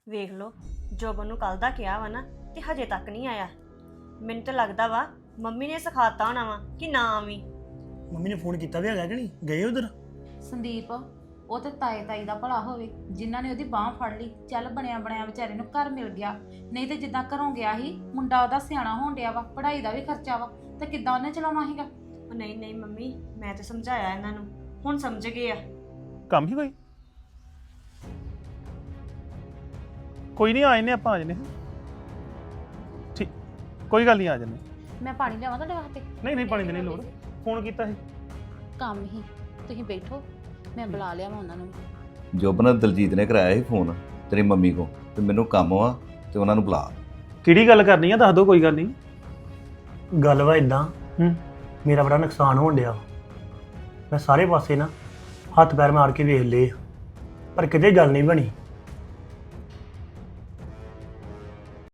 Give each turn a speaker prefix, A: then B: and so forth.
A: ਵੇਖ ਲਓ ਜੋਬਨ ਨੂੰ ਕੱਲ ਦਾ ਕਿਹਾ ਵਾ ਨਾ ਤੇ ਹਜੇ ਤੱਕ ਨਹੀਂ ਆਇਆ। ਮੈਨੂੰ ਤਾਂ ਲੱਗਦਾ ਵਾ ਮੰਮੀ ਨੇ ਸਿਖਾਤਾ ਹੋਣਾ ਵਾ ਕਿ ਨਾ ਆਵੀਂ।
B: ਮੰਮੀ ਨੇ ਫੋਨ ਕੀਤਾ ਵੀ ਹੈਗਾ ਕਿ ਨਹੀਂ ਗਏ ਉਧਰ?
C: ਸੰਦੀਪ ਉਹ ਤੇ ਤਾਏ ਤਾਈ ਦਾ ਭਲਾ ਹੋਵੇ ਜਿਨ੍ਹਾਂ ਨੇ ਉਹਦੀ ਬਾਹ ਫੜ ਲਈ, ਚੱਲ ਬਣਿਆ ਬਣਿਆ ਵਿਚਾਰੇ ਨੂੰ ਘਰ ਮਿਲ ਗਿਆ। ਨਹੀਂ ਤੇ ਜਿੱਦਾਂ ਘਰੋਂ ਗਿਆ ਸੀ, ਮੁੰਡਾ ਉਹਦਾ ਸਿਆਣਾ ਹੋਣ ਡਿਆ ਵਾ, ਪੜ੍ਹਾਈ ਦਾ ਵੀ ਖਰਚਾ ਵਾ, ਤੇ ਕਿੱਦਾਂ ਉਹਨੇ ਚਲਾਉਣਾ ਸੀਗਾ।
A: ਉਹ ਨਹੀਂ ਨਹੀਂ ਮੰਮੀ, ਮੈਂ ਤੇ ਸਮਝਾਇਆ ਇਹਨਾਂ ਨੂੰ, ਹੁਣ ਸਮਝ ਗਏ ਆ।
D: ਕੰਮ ਹੀ ਕੋਈ ਨਹੀਂ ਆ ਜਨੇ ਆਪਾਂ ਆ ਜਨੇ। ਠੀਕ ਕੋਈ ਗੱਲ ਨਹੀਂ ਆ ਜਨੇ।
C: ਮੈਂ ਪਾਣੀ ਲਿਆਵਾਂ ਤੁਹਾਡੇ ਵਾਸਤੇ?
D: ਨਹੀਂ ਪਾਣੀ ਦੀ ਨਹੀਂ ਲੋੜ। ਫੋਨ ਕੀਤਾ ਸੀ
C: ਕੰਮ ਹੀ, ਤੁਸੀਂ ਬੈਠੋ ਮੈਂ ਬੁਲਾ ਲਿਆ ਉਹਨਾਂ ਨੂੰ।
E: ਜੋਬਨ ਦਲਜੀਤ ਨੇ ਕਰਾਇਆ ਸੀ ਫੋਨ ਤੇਰੀ ਮੰਮੀ ਕੋ ਤੇ ਮੈਨੂੰ ਕੰਮ ਵਾ ਤੇ ਉਹਨਾਂ ਨੂੰ ਬੁਲਾ।
D: ਕਿਹੜੀ ਗੱਲ ਕਰਨੀ ਆ ਦੱਸ ਦੋ, ਕੋਈ ਗੱਲ ਨਹੀਂ।
B: ਗੱਲ ਵਾ ਇਦਾਂ,
D: ਹੂੰ
B: ਮੇਰਾ ਬੜਾ ਨੁਕਸਾਨ ਹੋਣ ਡਿਆ। ਮੈਂ ਸਾਰੇ ਪਾਸੇ ਨਾ ਹੱਥ ਪੈਰ ਮਾਰ ਕੇ ਵੇਖ ਲਏ ਪਰ ਕਿਤੇ ਗੱਲ ਨਹੀਂ ਬਣੀ।